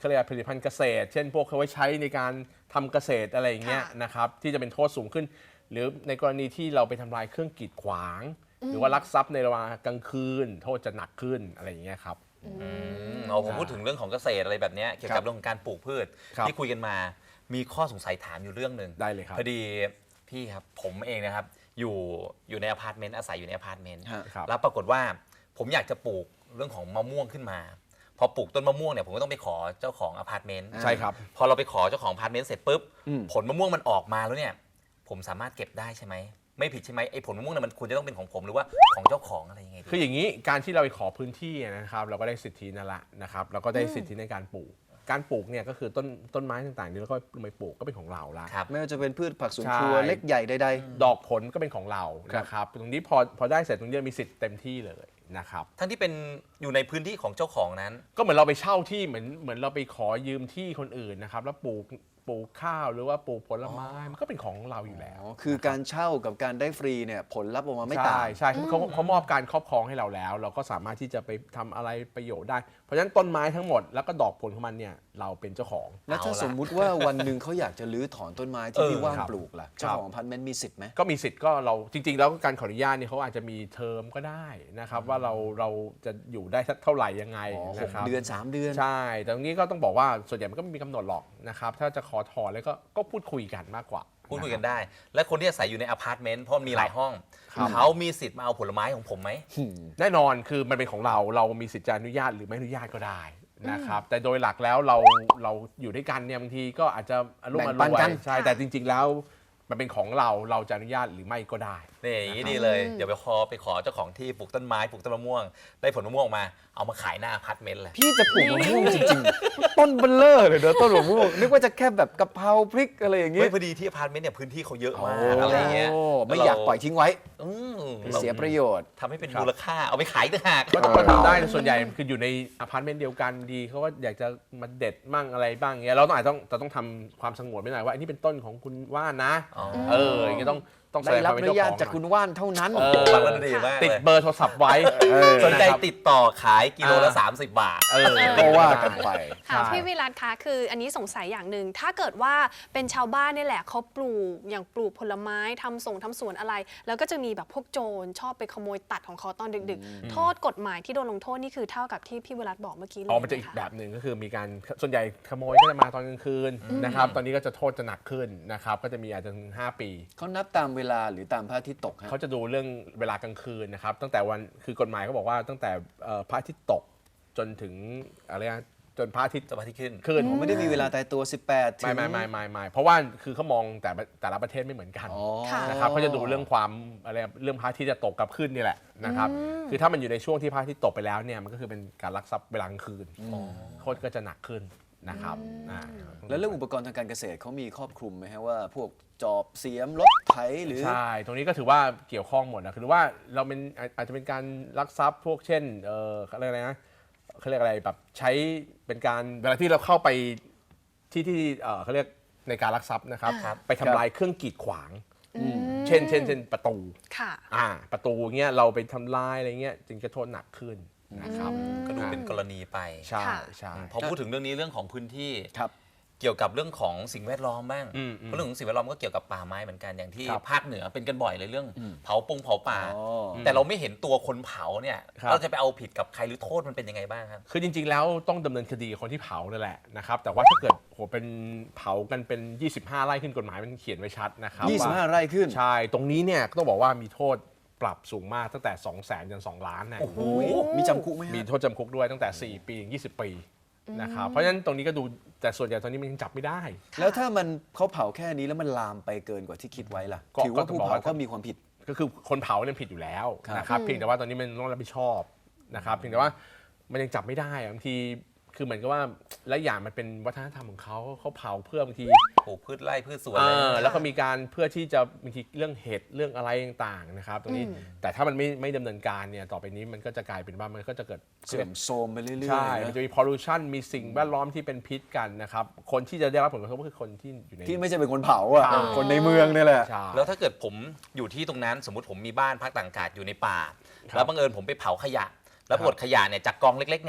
[SPEAKER 5] เขาเรียกผลิตภัณฑ์เกษตร เช่นพวกเขาไว้ใช้ในการทำเกษตรอะไรอย่างเงี้ย
[SPEAKER 4] ค่ะ
[SPEAKER 5] นะครับที่จะเป็นโทษสูงขึ้น หรือในกรณีที่เราไปทำลายเครื่องกีดขวาง หรือว่าลักทรัพย์ในเวลากลางคืน โทษจะหนักขึ้นอะไรอย่างเงี้ยครับ
[SPEAKER 8] เอาผมพูดถึงเรื่องของเกษตรอะไรแบบเนี้ยเกี่ยวกับเรื่องของการปลูกพืช
[SPEAKER 5] ครับ
[SPEAKER 8] ที่คุยกันมามีข้อสงสัยถามอยู่เรื่องหนึ่ง
[SPEAKER 5] ได้เลยครับ
[SPEAKER 8] พอดีพี่ครับผมเองนะครับอยู่ในอพาร์ตเมนต์อาศัยอยู่ในอพาร์ตเมนต์
[SPEAKER 3] ฮะ
[SPEAKER 5] ครับ
[SPEAKER 8] แล้วปรากฏว่าผมอยากจะปลูกเรื่องของมะม่วงขึ้นมา พอปลูกต้นมะม่วงเนี่ยผมก็ต้องไปขอเจ้าของอพาร์ตเมนต์
[SPEAKER 5] ใช่ครับ
[SPEAKER 8] พอเราไปขอเจ้าของอพาร์ตเมนต์เสร็จปุ๊บ
[SPEAKER 3] อืม
[SPEAKER 8] ผลมะม่วงมันออกมาแล้วเนี่ยผมสามารถเก็บได้ใช่ไหมไม่ผิดใช่ไหมไอ้ผลมะม่วงเนี่ยมันควรจะต้องเป็นของผมหรือว่าของเจ้าของอะไรยังไงดี
[SPEAKER 5] คืออย่างนี้การที่เราไปขอพื้นที่นะครับเราก็ได้สิทธินั่นแหละนะครับเราก็ได้สิทธิในการปลูก การปลูกเนี่ยก็คือต้นไม้ต่างๆที่เราก็ไปปลูกก็เป็นของเราละ
[SPEAKER 8] ครับ
[SPEAKER 3] ไม่ว่าจะเป็นพืชผักสวนครัว
[SPEAKER 5] ใช่
[SPEAKER 3] เล็กใหญ่ใด
[SPEAKER 5] ดอกผลก็เป็นของเรา
[SPEAKER 3] ครับ
[SPEAKER 5] นะครับตรงนี้พอได้เสร็จตรงนี้มีสิทธิ์เต็มที่เลยนะครับ
[SPEAKER 8] ทั้งที่เป็นอยู่ในพื้นที่ของเจ้าของนั้น
[SPEAKER 5] ก็เหมือนเราไปเช่าที่เหมือนเราไปขอยืมที่คนอื่นนะครับแล้วปลูกข้าวหรือว่าปลูกผลไม้มันก็เป็นของเราอยู่แล้ว
[SPEAKER 3] อ๋อคือการเช่ากับการได้ฟรีเนี่ยผลลัพธ์ออกมาไม่ต่าง
[SPEAKER 5] ใช่เขามอบการครอบครองให้เราแล้ว เราก็สามารถที่จะไปทำอะไรประโยชน์ได้ เพราะฉะนั้นต้นไม้ทั้งหมดแล้วก็ดอกผลของมันเนี่ยเราเป็นเจ้าของ
[SPEAKER 3] แล้วถ้า
[SPEAKER 8] เอาละ
[SPEAKER 3] สมมุติว่าวันหนึ่งเขาอยากจะรื้อถอนต้นไม้ที่พี่ว่าน
[SPEAKER 5] ครับ
[SPEAKER 3] ปลูกล่ะเจ้าของอพาร์ตเมนต์มีสิทธิ์ไหม
[SPEAKER 5] ก็มีสิทธิ์ก็เราจริง ๆ แล้วการขออนุญาตเนี่ยเขาอาจจะมีเทอมก็ได้นะครับว่าเราจะอยู่ได้สักเท่าไหร่ยังไง
[SPEAKER 3] อ๋อ
[SPEAKER 5] นะครับ
[SPEAKER 3] 6 เดือน 3 เดือน
[SPEAKER 5] ใช่แต่ตรงนี้ก็ต้องบอกว่าส่วนใหญ่มันก็ไม่มีกำหนดหรอกนะครับถ้าจะขอถอนแล้วก็พูดคุยกันมากกว่า
[SPEAKER 8] พูดคุยกันได้ และคนที่อาศัยอยู่ในอพาร์ตเมนต์เพราะมีหลายห้อง
[SPEAKER 5] ครับ
[SPEAKER 8] เขามีสิทธิ์มาเอาผลไม้ของผมไหม
[SPEAKER 5] แน่นอนคือมันเป็นของเรามีสิทธิ์จะอนุญาตหรือไม่อนุญาตก็ได้นะครับแต่โดยหลักแล้วเราอยู่ด้วยกันเนี่ยบางทีก็อาจจะอารมณ์
[SPEAKER 3] แบ่
[SPEAKER 5] อาง ร
[SPEAKER 3] ปัน
[SPEAKER 5] ว
[SPEAKER 3] กัน
[SPEAKER 5] ยใช่แต่จริง ๆ แล้วมันเป็นของเราจะอนุญาตหรือไม่ก็ได้
[SPEAKER 8] นี่อย่างนี้ดีเลย เดี๋ยวไปขอเจ้าของที่ปลูกต้นไม้ปลูกต้นมะม่วง ได้ผลมะม่วงออกมาเอามาขายหน้าอพาร์ตเมนต์เลย
[SPEAKER 3] พี่จะปลูกมะม่วงจริงๆ ต้นเบลเลอร์เลยเนอะต้นมะม่วงนึกว่าจะแค่แบบกะเพราพริกอะไรอย่าง
[SPEAKER 8] เฮ้
[SPEAKER 3] เงี้
[SPEAKER 8] ย
[SPEAKER 3] ย
[SPEAKER 8] พอดีที่อพาร์ตเมนต์เนี่ยพื้นที่เขาเยอะมาก
[SPEAKER 3] โอ้
[SPEAKER 8] อะไรอย่างเงี้ย
[SPEAKER 3] ไม่อยากปล่อยทิ้งไว้
[SPEAKER 8] อืม
[SPEAKER 3] เสียประโยชน์
[SPEAKER 8] ทำให้เป็น
[SPEAKER 5] ครับ
[SPEAKER 8] มูลค่าเอาไปขายต่างหาก
[SPEAKER 5] ก็ต้องมาทำได้ส่วนใหญ่คืออยู่ในอพาร์ตเมนต์เดียวกันดีเขาก็อยากจะมาเด็ดมั่งอะไรบ้างเงี้ยเราต้องอาจต้องทำความสงวนไว้หน่อยว่าอันนี้เป็นต้นของคุณว่านนะ
[SPEAKER 8] อ๋อ
[SPEAKER 5] อย่างเงี้ยต้องแส
[SPEAKER 3] ได้
[SPEAKER 5] ดง
[SPEAKER 3] รั
[SPEAKER 5] ค
[SPEAKER 3] บ
[SPEAKER 5] วาม
[SPEAKER 3] อ
[SPEAKER 5] เป็น
[SPEAKER 3] นุ
[SPEAKER 5] เจ้า
[SPEAKER 3] ญาต
[SPEAKER 5] ของ
[SPEAKER 3] จากคุณว่านเท่านั้น
[SPEAKER 8] ฟังแล้วดีมาก
[SPEAKER 5] ติด
[SPEAKER 8] เลย
[SPEAKER 5] เบอร์โทรศัพท์ไว้
[SPEAKER 8] สนใจ
[SPEAKER 5] นะครับ
[SPEAKER 8] ติดต่อขายกิโลละ 30 บาท
[SPEAKER 3] ก็ว่ากันไป
[SPEAKER 4] ค่ะ
[SPEAKER 5] ใช่
[SPEAKER 4] พี่วิรัตคะคืออันนี้สงสัยอย่างหนึ่งถ้าเกิดว่าเป็นชาวบ้านนี่แหละเขาปลูกอย่างปลูกผลไม้ทำสวนอะไร แล้วก็จะมีแบบพวกโจรชอบไปขโมยตัดของเขาตอนดึกๆ โทษกฎหมายที่โดนลงโทษนี่คือเท่ากับที่พี่วิรัตบอกเมื่อกี้เลย
[SPEAKER 5] อ๋อมันจะอีก
[SPEAKER 4] ไห
[SPEAKER 5] แบ
[SPEAKER 4] คะ
[SPEAKER 5] บหนึ่งก็คือมีการส่วนใหญ่ขโมยก็จะมาตอนกลางคืนนะครับตอนนี้ก็จะโทษจะหนักขึ้นนะครับก็จะมีอาจจะถึง5 ปี
[SPEAKER 3] เขานับตามเวลาหรือตามพระอาทิตย์ตกฮะ
[SPEAKER 5] เขาจะดูเรื่องเวลากลางคืนนะครับตั้งแต่วันคือกฎหมายเขาบอกว่าตั้งแต่พระอาทิตย์ตกจนถึงอะไรนะจนพระอาทิตย์
[SPEAKER 8] จะมาที่ขึ้น
[SPEAKER 5] ขึ้น
[SPEAKER 3] ผมไม่ได้มีเวลาตายตัว 18 ถึง
[SPEAKER 5] ไม่เพราะว่าคือเขามองแต่ละประเทศไม่เหมือนกัน
[SPEAKER 3] อ๋อ
[SPEAKER 4] ค่ะ
[SPEAKER 5] นะครับเขาจะดูเรื่องความอะไรเรื่องพระอาทิตย์จะตกกับขึ้นนี่แหละนะครับคือถ้ามันอยู่ในช่วงที่พระอาทิตย์ตกไปแล้วเนี่ยมันก็คือเป็นการลักทรัพย์เวลากลางคืนโทษก็จะหนักขึ้นนะครับอ่า
[SPEAKER 3] แล้วเรื่องอุปกรณ์ทางการเกษตรเขามีครอบคลุมไหมฮะว่าพวกจอบเสียมรถไถหรือ
[SPEAKER 5] ใช่ตรงนี้ก็ถือว่าเกี่ยวข้องหมดนะคือว่าเราเป็นอาจจะเป็นการลักทรัพย์พวกเช่นเขาเรียกอะไรนะเขาเรียกอะไรแบบใช้เป็นการเวลาที่เราเข้าไปที่เขาเรียกในการลักทรัพย์นะครับ
[SPEAKER 4] ครับ
[SPEAKER 5] ไปทำลายเครื่องกีดขวาง เช่นประตู
[SPEAKER 4] ค่ะ
[SPEAKER 5] ประตูเงี้ยเราไปทำลายอะไรเงี้ยจึงจะโทษหนักขึ้นนะครับ
[SPEAKER 8] ก็ดูเป็นกรณีไป
[SPEAKER 5] ใช่
[SPEAKER 4] ค่ะ
[SPEAKER 5] ใช่
[SPEAKER 8] พอพูดถึงเรื่องนี้เรื่องของพื้นที่
[SPEAKER 3] ครับ
[SPEAKER 8] เกี่ยวกับเรื่องของสิ่งแวดล้อมบ้าง
[SPEAKER 5] อืม
[SPEAKER 8] เพราะเรื่องของสิ่งแวดล้อมก็เกี่ยวกับป่าไม้เหมือนกันอย่างที่
[SPEAKER 5] ครับ
[SPEAKER 8] ภาคเหนือเป็นกันบ่อยเลยเรื่องเผาป่า
[SPEAKER 3] อ๋อ
[SPEAKER 8] แต่เราไม่เห็นตัวคนเผาเนี่ย
[SPEAKER 5] ครับ
[SPEAKER 8] เราจะไปเอาผิดกับใครหรือโทษมันเป็นยังไงบ้างครับ
[SPEAKER 5] คือจริงๆแล้วต้องดำเนินคดีกับคนที่เผานั่นแหละนะครับแต่ว่าถ้าเกิดเป็นเผากันเป็น 25 ไร่ขึ้นกฎหมายมันเขียนไว้ชัดนะครับว่า
[SPEAKER 3] 25 ไร่ขึ้น
[SPEAKER 5] ใช่ ตรงนี้เนี่ยก็ต้องบอกว่ามีโทษปรับสูงมากตั้งแต่ 200,000 จน 2 ล้านนะ
[SPEAKER 3] โอ้โหมีจำคุกไหมฮะ
[SPEAKER 5] มีโทษจำคุกด้วยตั้งแต่ 4 ปีถึง 20 ปีนะครับ เพราะฉะนั้นตรงนี้ก็ดูแต่ส่วนใหญ่ตอนนี้มันยังจับไม่ได้
[SPEAKER 3] แล้วถ้ามันเขาเผาแค่นี้แล้วมันลามไปเกินกว่าที่คิดไว้ล่ะ
[SPEAKER 5] ก็
[SPEAKER 3] ถือว่า
[SPEAKER 5] ก็
[SPEAKER 3] ผู้
[SPEAKER 5] บอก
[SPEAKER 3] เผา
[SPEAKER 5] ว่า
[SPEAKER 3] ก็มีความผิด
[SPEAKER 5] ก็คือคนเผาเนี่ยผิดอยู่แล้ว
[SPEAKER 3] ครับ
[SPEAKER 5] นะครับ เพียงแต่ว่าตอนนี้มันต้องรับผิดชอบนะครับ เพียงแต่ว่ามันยังจับไม่ได้อะบางทีคือเหมือนกับว่าและอย่างมันเป็นวัฒนธรรมของเขาเผาเพื่อบางที
[SPEAKER 8] ปลูกพืชไร่พืชสวนอะไรอย่างเงี้ย
[SPEAKER 5] แล้วก็มีการเพื่อที่จะบางทีเรื่องเห็ดเรื่องอะไรต่างๆนะครับตรงนี้แต่ถ้ามันไม่ดำเนินการเนี่ยต่อไปนี้มันก็จะกลายเป็นว่ามันก็จะเกิด
[SPEAKER 3] เสื่อมโทรมไปเรื่อยๆ
[SPEAKER 5] ใช่
[SPEAKER 3] นะ
[SPEAKER 5] มันจะมี pollution มีสิ่งแวดล้อมที่เป็นพิษกันนะครับคนที่จะได้รับผลกระทบก็คือคนที่อยู่ใน
[SPEAKER 3] ที่ไม่ใช่เป็นคนเผาอ่ะ
[SPEAKER 5] ใช่
[SPEAKER 3] คนในเมืองนี่แหละ
[SPEAKER 5] ใช่
[SPEAKER 8] แล้วถ้าเกิดผมอยู่ที่ตรงนั้นสมมติผมมีบ้านพักต่างอากาศอยู่ในป่า
[SPEAKER 5] ครับ
[SPEAKER 8] แล้วบังเอิญผมไปเผาขยะ แล้วปรากฏขยะเนี่ยจากกองเล็กๆเนี่ย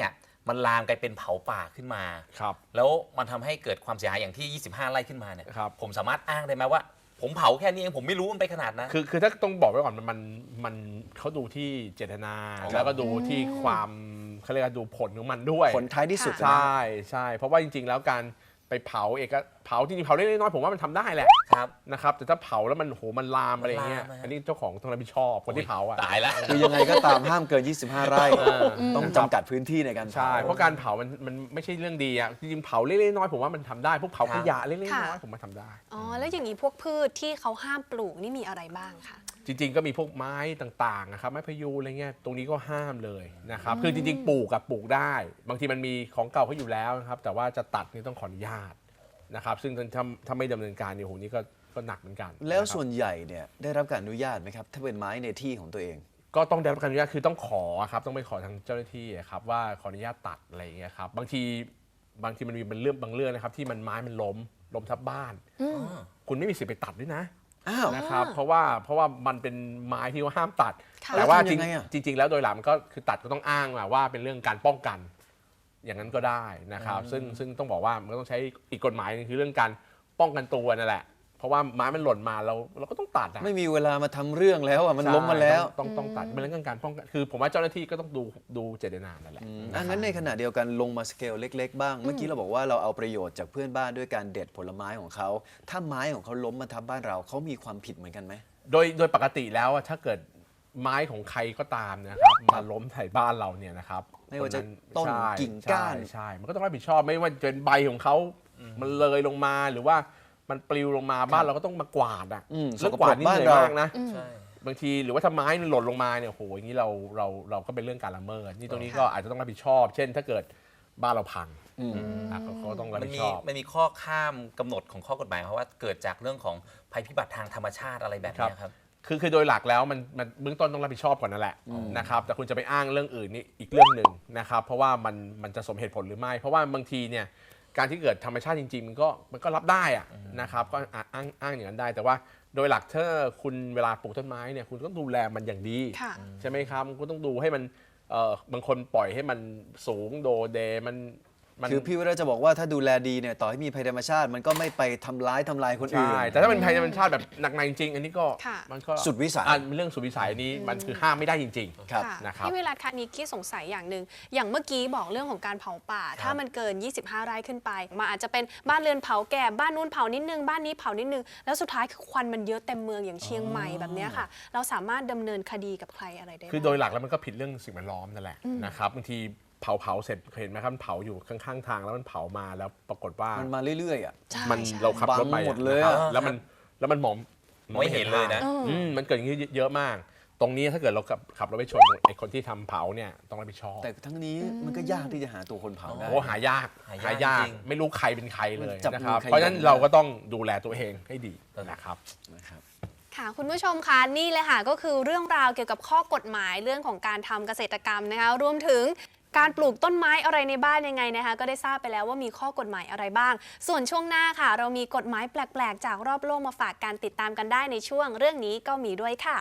[SPEAKER 8] มันลามกลายเป็นเผาป่าขึ้นมา
[SPEAKER 5] ครับ
[SPEAKER 8] แล้วมันทำให้เกิดความเสียหายอย่างที่ 25 ไร่ขึ้นมาเนี่ย
[SPEAKER 5] ครับ
[SPEAKER 8] ผมสามารถอ้างได้ไหมว่า ผมเผาแค่นี้เองผมไม่รู้มันไปขนาดนั้น
[SPEAKER 5] คือถ้าต้องบอกไว้ก่อนมันเขาดูที่เจตนา แล้วก็ดูที่ความเขาเรียกว่าดูผลของมันด้วย
[SPEAKER 3] ผลท้ายที่สุด
[SPEAKER 5] ใช่ใช่เพราะว่าจริงๆแล้วการไปเผาเผาจริงๆเผาเล็กๆน้อยๆผมว่ามันทำได้แหละ
[SPEAKER 8] ครับ
[SPEAKER 5] นะครับแต่ถ้าเผาแล้วมันโหมันลามอะไรเงี้ย
[SPEAKER 8] มันลามนะ
[SPEAKER 5] อันนี้เจ้าของต้องรับผิดชอบคนที่เผาอ่ะ
[SPEAKER 8] ตายแล้ว
[SPEAKER 3] คือยังไงก็ตามห้ามเกิน 25 ไร่ ต้องจำกัดพื้นที่ในการ
[SPEAKER 5] ใช่
[SPEAKER 3] เผา
[SPEAKER 5] เพราะการเผามันไม่ใช่เรื่องดีอ่ะจริงๆเผาเล็กๆน้อยๆผมว่ามันทำได้พวกเผาขยะเล็กๆน้อยๆผมว่าทำได้
[SPEAKER 4] อ๋อแล้วอย่างนี้พวกพืชที่เขาห้ามปลูกนี่มีอะไรบ้างคะ
[SPEAKER 5] จริงๆก็มีพวกไม้ต่างๆนะครับไม้พะยูงอะไรเงี้ยตรงนี้ก็ห้ามเลยนะครับคือจริงๆปลูกกับปลูกได้ บางทีมันมีของเก่าเขาอยู่แล้วนะครับแต่ว่าจะตัดนี่ต้องขออนุญาตนะครับซึ่งถ้าไม่ดำเนินการเนี่ยโหนี่ก็หนักเหมือนกัน
[SPEAKER 3] แล้ว
[SPEAKER 5] นะครับ
[SPEAKER 3] ส่วนใหญ่เนี่ยได้รับการอนุญาตไหมครับ ถ้าเป็นไม้ในที่ของตัวเอง
[SPEAKER 5] ก็ต้องได้รับการอนุญาตคือต้องขอครับต้องไปขอทางเจ้าหน้าที่ครับว่าขออนุญาตตัดอะไรอย่างเงี้ยครับบางทีมันมีเป็นเรื่องบางเรื่องนะครับที่มันไม้มันล้มทับบ้าน คุณไม่มีสิทธิ์ไปตัดด้วยนะ
[SPEAKER 3] อ้าว
[SPEAKER 5] นะครับเพราะว่ามันเป็นไม้ที่ว่าห้ามตัด
[SPEAKER 4] ค่ะ
[SPEAKER 5] แต่ว่า
[SPEAKER 3] แล้วทำยังไงอะ
[SPEAKER 5] จริงๆแล้วโดยหลักมันก็คือตัดก็ต้องอ้างว่าเป็นเรื่องการป้องกัน อย่างนั้นก็ได้นะครับซึ่งต้องบอกว่ามันก็ต้องใช้อีกกฎหมายนึงคือเรื่องการป้องกันตัวนั่นแหละเพราะว่าไม้มันหล่นมาเราก็ต้องตัดอะ
[SPEAKER 3] ไม่มีเวลามาทำเรื่องแล้วอ่ะมันล้มมาแล้ว
[SPEAKER 5] ใช่ต้องตัดเป็นเรื่องการป้องกันคือผมว่าเจ้าหน้าที่ก็ต้องดูเจตนานั่นแหละ
[SPEAKER 3] งั้นในขณะเดียวกันลงมาสเกลเล็ก ๆ บ้าง เมื่อกี้เราบอกว่าเราเอาประโยชน์จากเพื่อนบ้านด้วยการเด็ดผลไม้ของเขา ถ้าไม้ของเขาล้มมาทับบ้านเราเขามีความผิดเหมือนกันไหม
[SPEAKER 5] โดยปกติแล้วอะถ้าเกิดไม้ของใครก็ตามนะครับมาล้มใส่บ้านเราเนี่ยนะครับ
[SPEAKER 3] ไม่ว่าจะ
[SPEAKER 5] ค
[SPEAKER 3] ต้น
[SPEAKER 5] ใช่
[SPEAKER 3] กิ่งก้าน
[SPEAKER 5] ใช่มันก็ต้องรับผิดชอบไม่ว่าจะเป็นใบของเขามันเลยลงมาหรือว่ามันปลิวลงมาบ้านเราก็ต้องมากวาดอ่ะ
[SPEAKER 3] ส
[SPEAKER 5] เรื่อง
[SPEAKER 3] ก
[SPEAKER 5] ก
[SPEAKER 3] ปร
[SPEAKER 5] วาด
[SPEAKER 3] ก
[SPEAKER 5] นี่
[SPEAKER 3] บ้า
[SPEAKER 5] เห
[SPEAKER 3] น
[SPEAKER 5] นื่อย
[SPEAKER 3] เรา
[SPEAKER 5] มากนะ
[SPEAKER 8] ใช่
[SPEAKER 5] บางทีหรือว่าถ้าไม้มันหล่นลงมาเนี่ยโหอย่างนี้เราก็เป็นเรื่องการละเมิดนี่ตรงนี้ก็อาจจะต้องรับผิดชอบ เช่นถ้าเกิดบ้านเราพังเขาก็ต้องรับ
[SPEAKER 8] มัน
[SPEAKER 5] ผิด
[SPEAKER 8] มี
[SPEAKER 5] ชอบ
[SPEAKER 8] มันมีข้อข้ามกำหนดของข้อกฎหมายเพราะว่าเกิดจากเรื่องของภัยพิบัติทางธรรมชาติอะไรแบบเนี้ยครับ
[SPEAKER 5] คือโดยหลักแล้วมันเบื้องต้นต้องรับผิดชอบก่อนนั่นแหละนะครับแต่คุณจะไปอ้างเรื่องอื่นนี่อีกเรื่องหนึ่งนะครับเพราะว่ามันจะสมเหตุผลหรือไม่ เพราะว่าบางทีเนี่ยการที่เกิดธรรมชาติจริงๆมันก็รับได้อะนะครับก็อ้างอย่างนั้นได้ แต่ว่าโดยหลักถ้าคุณเวลาปลูกต้นไม้เนี่ยคุณต้องดูแลมันอย่างดี
[SPEAKER 4] ค่ะ
[SPEAKER 5] ใช่ไหมครับคุณต้องดูให้มันบางคนปล่อยให้มันสูงโดเดมัน
[SPEAKER 3] คือพี่วิระจะบอกว่าถ้าดูแลดีเนี่ยต่อให้มีภัยธรรมชาติ มันก็ไม่ไปทำลายคนอื่น
[SPEAKER 5] ใช่แต่ถ้าเป็นภัยธรรมชาติแบบหนักในจริงๆอันนี้ก็
[SPEAKER 4] ค่ะ
[SPEAKER 5] มันก็
[SPEAKER 3] สุดวิสัย
[SPEAKER 5] เป็นเรื่องสุดวิสัยนี้มันคือห้ามไม่ได้จริงๆ
[SPEAKER 3] ครับ
[SPEAKER 4] ค่ะ
[SPEAKER 5] นะครับ
[SPEAKER 4] พี่วิรัตคะนิกกี้สงสัยอย่างหนึ่งอย่างเมื่อกี้บอกเรื่องของการเผาป่า ถ้ามันเกิน 25 ไร่ขึ้นไปมันอาจจะเป็นบ้านเรือนเผาแก่บ้านนู้นเผานิดนึงบ้านนี้เผานิดนึงแล้วสุดท้ายคือควันมันเยอะเต็มเมืองอย่างเชียงใหม่แบบเนี้ยค่ะ เราสามารถดำเนินคดีกับใครอะไรได้
[SPEAKER 5] คือ
[SPEAKER 4] บ้าง
[SPEAKER 5] โดยหลักแล้วมันก็ผิดเรื่องสิ่งแวดล้อมนั่นแหละนะครับบางทีเผาเสร็จเคยเห็นไหมครับมันเผาอยู่ข้างๆทางแล้วมันเผามาแล้วปรากฏว่า
[SPEAKER 3] มันมาเรื่อยๆอ่ะ
[SPEAKER 4] ใช่
[SPEAKER 5] มัน
[SPEAKER 4] ใช่
[SPEAKER 5] เราขับรถไป
[SPEAKER 3] บังหมดเลย
[SPEAKER 5] นะครับ
[SPEAKER 3] อะ
[SPEAKER 5] แล้วมันมอง
[SPEAKER 8] ไม่เห็นเลยนะ
[SPEAKER 5] มันเกิดอย่างนี้เยอะมาก ตรงนี้ถ้าเกิดเราขับรถไปชนไอ้คนที่ทำเผาเนี่ยต้องรับผิดชอบ
[SPEAKER 3] แต่ทั้งนี้มันก็ยากที่จะหาตัวคนเผาได้
[SPEAKER 5] โอ้หายาก
[SPEAKER 8] หายากจริง
[SPEAKER 5] ไม่รู้ใครเป็นใครเลย
[SPEAKER 3] จับ
[SPEAKER 5] นะครับ
[SPEAKER 3] มือใคร
[SPEAKER 5] เพราะฉะนั้น
[SPEAKER 3] ได้
[SPEAKER 5] เราก็ต้องดูแลตัวเองให้ดีนะครับ
[SPEAKER 3] นะครับ
[SPEAKER 4] ค่ะคุณผู้ชมคะนี่เลยค่ะก็คือเรื่องราวเกี่ยวกับข้อกฎหมายเรื่องของการทำเกษตรกรรมนะคะรวมถึงการปลูกต้นไม้อะไรในบ้านยังไงนะคะก็ได้ทราบไปแล้วว่ามีข้อกฎหมายอะไรบ้าง ส่วนช่วงหน้าค่ะ เรามีกฎหมายแปลกๆ จากรอบโลกมาฝากการติดตามกันได้ในช่วงเรื่องนี้ก็มีด้วยค่ะ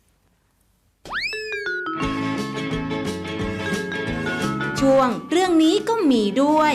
[SPEAKER 2] ช่วงเรื่องนี้ก็มีด้วย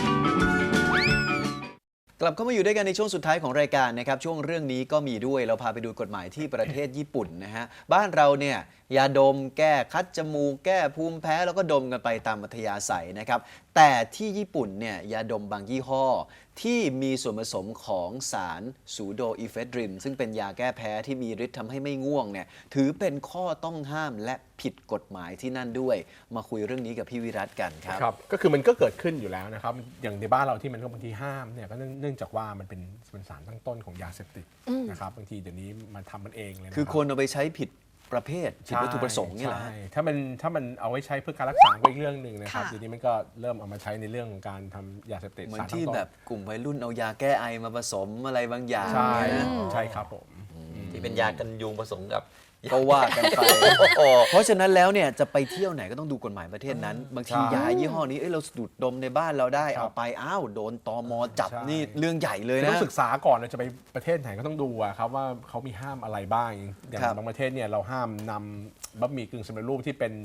[SPEAKER 3] กลับเข้ามาอยู่ด้วยกันในช่วงสุดท้ายของรายการนะครับช่วงเรื่องนี้ก็มีด้วยเราพาไปดูกฎหมายที่ประเทศญี่ปุ่นนะฮะบ้านเราเนี่ยยาดมแก้คัดจมูกแก้ภูมิแพ้แล้วก็ดมกันไปตามอัธยาศัยนะครับแต่ที่ญี่ปุ่นเนี่ยยาดมบางยี่ห้อที่มีส่วนผสมของสารซูโดอีเฟดรินซึ่งเป็นยาแก้แพ้ที่มีฤทธิ์ทำให้ไม่ง่วงเนี่ยถือเป็นข้อต้องห้ามและผิดกฎหมายที่นั่นด้วยมาคุยเรื่องนี้กับพี่วิรัตกันครับ
[SPEAKER 5] ครับก็คือมันก็เกิดขึ้นอยู่แล้วนะครับอย่างในบ้านเราที่มันก็บางทีห้ามเนี่ยก็เนื่องจากว่ามันเป็นสารตั้งต้นของยาเสพติดนะครับบางทีเดี๋ยวนี้มันทำมันเองเลยนะ
[SPEAKER 3] คือ
[SPEAKER 5] รับ
[SPEAKER 3] คนเอาไปใช้ผิดประเภทผิดวัตถุประสงค์เนี่ยแหละ
[SPEAKER 5] ใช่ถ้ามันเอาไว้ใช้เพื่อการรักษาก็อีกเรื่องหนึ่งนะครับ
[SPEAKER 4] ค่ะ
[SPEAKER 5] ทีนี้มันก็เริ่มเอามาใช้ในเรื่องของการทำยาเสพติด
[SPEAKER 3] เหมือน
[SPEAKER 5] สารตั้
[SPEAKER 3] ที่
[SPEAKER 5] งต้น
[SPEAKER 3] แบบกลุ่มวัยรุ่นเอายาแก้ไอมาผสมอะไรบางอย่าง
[SPEAKER 5] ใช่
[SPEAKER 3] เนี่ยนะ
[SPEAKER 5] ใช่ครับผม
[SPEAKER 8] ที่เป็นยากันยุงผสมกับ
[SPEAKER 3] ก็ว่ากันไป เพราะฉะนั้นแล้วเนี่ยจะไปเที่ยวไหนก็ต้องดูกฎหมายประเทศนั้น บางทียายี่ห้อนี้เราสูดดมในบ้านเราได้เอาไปอ้าวโดนตมจับนี่เรื่องใหญ่เลย
[SPEAKER 5] ต้อ
[SPEAKER 3] นะ
[SPEAKER 5] งศึกษาก่อนเราจะไปประเทศไหนก็ต้องดูอะครับว่าเขามีห้ามอะไรบ้างอย่าง
[SPEAKER 3] ครับ
[SPEAKER 5] บางประเทศเนี่ยเราห้ามนำบะหมี่กึ่งสำเร็จรูปที่เป็น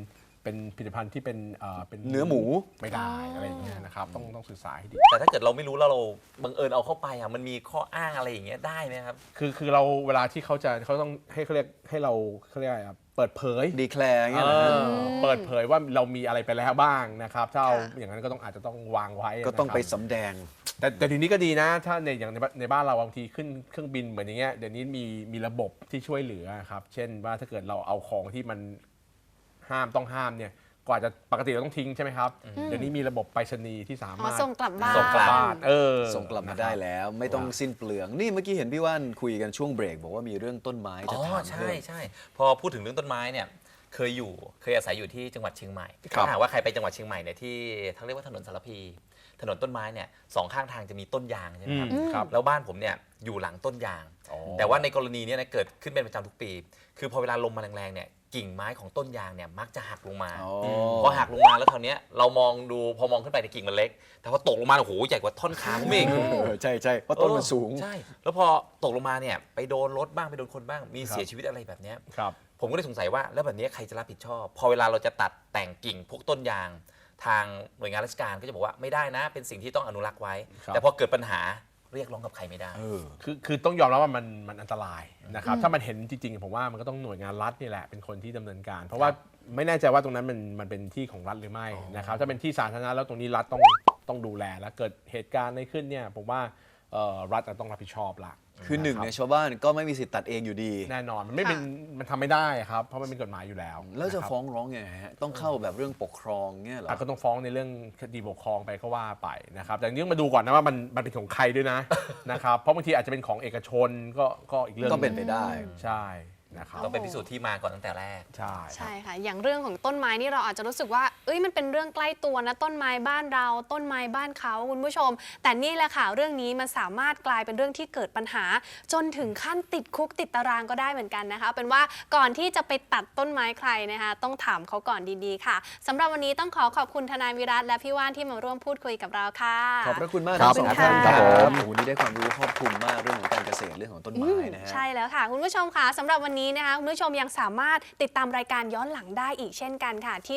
[SPEAKER 5] เป็นผลิตภัณฑ์ที่เป็นเป็น
[SPEAKER 3] เนื้อหมู
[SPEAKER 5] ไม่ได้อะไรอย่างเงี้ยนะครับต้องศึกษาให้ดี
[SPEAKER 8] แต่ถ้าเกิดเราไม่รู้แล้วเราบังเอิญเอาเข้าไปอ่ะมันมีข้ออ้างอะไรอย่างเงี้ยได้ไหมครับ
[SPEAKER 5] คือเราเวลาที่เขาต้องให้เขาเรียกให้เราเขาเรียกอะไรครับเปิดเผย
[SPEAKER 3] ดีแคลร์เงี้ยเหรอฮะ
[SPEAKER 5] เปิดเผยว่าเรามีอะไรไปแล้วบ้างนะครับถ้าเอา
[SPEAKER 4] ค่ะ
[SPEAKER 5] อย่างนั้นก็ต้องอาจจะต้องวางไว้
[SPEAKER 3] ก็ต้องไป
[SPEAKER 5] นะครับ
[SPEAKER 3] สำแดง
[SPEAKER 5] แต่ทีนี้ก็ดีนะ ถ้าอย่างในบ้านเราบางทีขึ้นเครื่องบินเหมือนอย่างเงี้ยเดี๋ยวนี้มีระบบที่ช่วยเหลือครับเช่นว่าถ้าเกิดเราเอาของที่มันต้องห้ามเนี่ยกว่าจะปกติเราต้องทิ้งใช่ไหมครับเดี๋ยวนี้มีระบบไปรษณีย์ที่สา
[SPEAKER 4] อ๋อ
[SPEAKER 5] มารถ
[SPEAKER 4] ส่งกลับบ้าน
[SPEAKER 8] ส่งกลับ
[SPEAKER 5] บ้าน
[SPEAKER 3] ส่งกลับมาได้แล้ว ไม่ต้องสิ้นเปลือง นี่เมื่อกี้เห็นพี่ว่านคุยกันช่วงเบรกบอกว่ามีเรื่องต้นไม้
[SPEAKER 8] อ๋
[SPEAKER 3] จะ
[SPEAKER 8] อ
[SPEAKER 3] ถาม
[SPEAKER 8] ใช่
[SPEAKER 3] เพิ่ม
[SPEAKER 8] ใช่พอพูดถึงเรื่องต้นไม้เนี่ยเคยอาศัยอยู่ที่จังหวัดเชียงใหม่
[SPEAKER 3] ครับ
[SPEAKER 8] ถ้าหากว่าใครไปจังหวัดเชียงใหม่เนี่ยที่เขาเรียกว่าถนนสารพีถนนต้นไม้เนี่ยสองข้างทางจะมีต้นยางใช่ไหมครับ
[SPEAKER 5] ครับ
[SPEAKER 8] แล้วบ้านผมเนี่ยอยู่หลังต้นยาง
[SPEAKER 5] อ๋อ
[SPEAKER 8] แต่ว่าในกรณีเนี้นะเกิดขึ้นเป็นประจำทุกปี คือพอเวลาลมมาแรงๆเนี่ยกิ่งไม้ของต้นยางเนี่ยมักจะหักลงมา
[SPEAKER 3] อ๋อ
[SPEAKER 8] พอหักลงมาแล้วคราวเนี้ยเรามองดูพอมองขึ้นไปในยกิ่งมันเล็ก แต่พอตกลงมาโอ้โหใหญ่กว่าท่อนขาผมอีก
[SPEAKER 3] ใช่ใช่เพราะต้นมันสูง
[SPEAKER 8] ใช่ แล้วพอตกลงมาเนี่ยไปโดนรถบ้างไปโดนคนบ้างมีเสียชีวิตอะไรแบบเนี้ย
[SPEAKER 5] ครับ
[SPEAKER 8] ผมก็เลยสงสัยว่าแล้วแบบนี้ใครจะรับผิดชอบ พอเวลาเราจะตัดแต่งกิ่งพวกต้นยาง ทางหน่วยงานราชการก็จะบอกว่าไม่ได้นะ เป็นสิ่งที่ต้องอนุรักษ์ไว้
[SPEAKER 5] ครับ
[SPEAKER 8] แต่พอเกิดปัญหาเรียกร้องกับใครไม่ได้
[SPEAKER 5] คือต้องยอมรับว่ามันอันตรายนะครับถ้ามันเห็นจริงๆผมว่ามันก็ต้องหน่วยงานรัฐนี่แหละเป็นคนที่ดำเนินการ เพราะว่าไม่แน่ใจว่าตรงนั้นมันเป็นที่ของรัฐหรือไม่นะครับถ้าเป็นที่สาธารณะแล้วตรงนี้รัฐต้องดูแลแล้วเกิดเหตุการณ์อะไรขึ้นเนี่ยผมว่ารัฐต้องรับผิดชอบละ
[SPEAKER 3] คือหนึ่งในชาวบ้านก็ไม่มีสิทธิ์ตัดเองอยู่ดี
[SPEAKER 5] แน่นอนมันทำไม่ได้ครับเพราะมันเป็นกฎหมายอยู่แล้ว
[SPEAKER 3] แล้วจะ
[SPEAKER 5] นครับ
[SPEAKER 3] ฟ้องร้องยังไงฮะ ต้องเข้าแบบเรื่องปกครองเงี้ยเหรอ
[SPEAKER 5] ก็ต้องฟ้องในเรื่องคดีปกครองไปก็ว่าไปนะครับแต่ทีนี้ต้องมาดูก่อนนะว่ามันเป็นของใครด้วยนะ นะครับเพราะบางทีอาจจะเป็นของเอกชนก็อีกเรื่อง
[SPEAKER 3] ก็เป็นไปได้
[SPEAKER 5] ใช่นะครับ
[SPEAKER 8] ต้องไปพิสูจน์ที่มาก่อนตั้งแต่แรก
[SPEAKER 5] ใช่
[SPEAKER 4] ใช่ค่ะ อย่างเรื่องของต้นไม้นี่เราอาจจะรู้สึกว่าเอ้ยมันเป็นเรื่องใกล้ตัวนะต้นไม้บ้านเราต้นไม้บ้านเขาคุณผู้ชม แต่นี่แหละค่ะเรื่องนี้มันสามารถกลายเป็นเรื่องที่เกิดปัญหา จนถึงขั้นติดคุกติดตารางก็ได้เหมือนกันนะคะเป็นว่าก่อนที่จะไปตัดต้นไม้ใครนะคะต้องถามเขาก่อนดีๆค่ะสำหรับวันนี้ต้องขอบคุณทนายวิรัตและพี่ว่านที่มาร่วมพูดคุยกับเราค่ะ
[SPEAKER 3] ขอบพระคุณมาก
[SPEAKER 5] ครั
[SPEAKER 3] ทั้
[SPEAKER 5] บ
[SPEAKER 3] งสองท่าน
[SPEAKER 4] ขอบคุณ
[SPEAKER 3] ค
[SPEAKER 4] ค่ะ
[SPEAKER 3] รับโอ้โหนี่ได้ความรู้ครอบคลุมมากเรื่องของการเกษตรเรื่องของต้นไม้นะฮะ
[SPEAKER 4] ใช่แล้วค่ะ คุณผู้ชมค่ะสำหรับวันนี้นะคะคุณผู้ชมยังสามารถติดตามรายการย้อนหลังได้อีกเช่นกันค่ะ ที่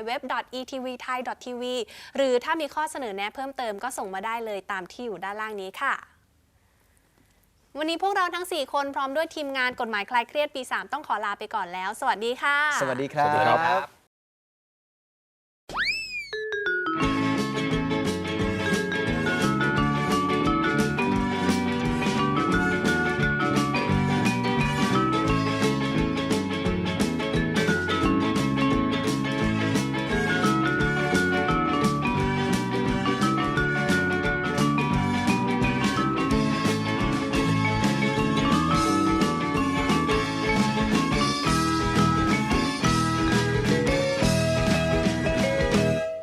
[SPEAKER 4] www.etvthai.tv หรือถ้ามีข้อเสนอแนะเพิ่มเติมก็ส่งมาได้เลยตามที่อยู่ด้านล่างนี้ค่ะ วันนี้พวกเราทั้ง 4 คนพร้อมด้วยทีมงานกฎหมายคลายเครียดปี 3 ต้องขอลาไปก่อนแล้ว สวัสดีค่ะ
[SPEAKER 3] สวัสดีครั
[SPEAKER 5] สวัสดีครับ
[SPEAKER 3] บ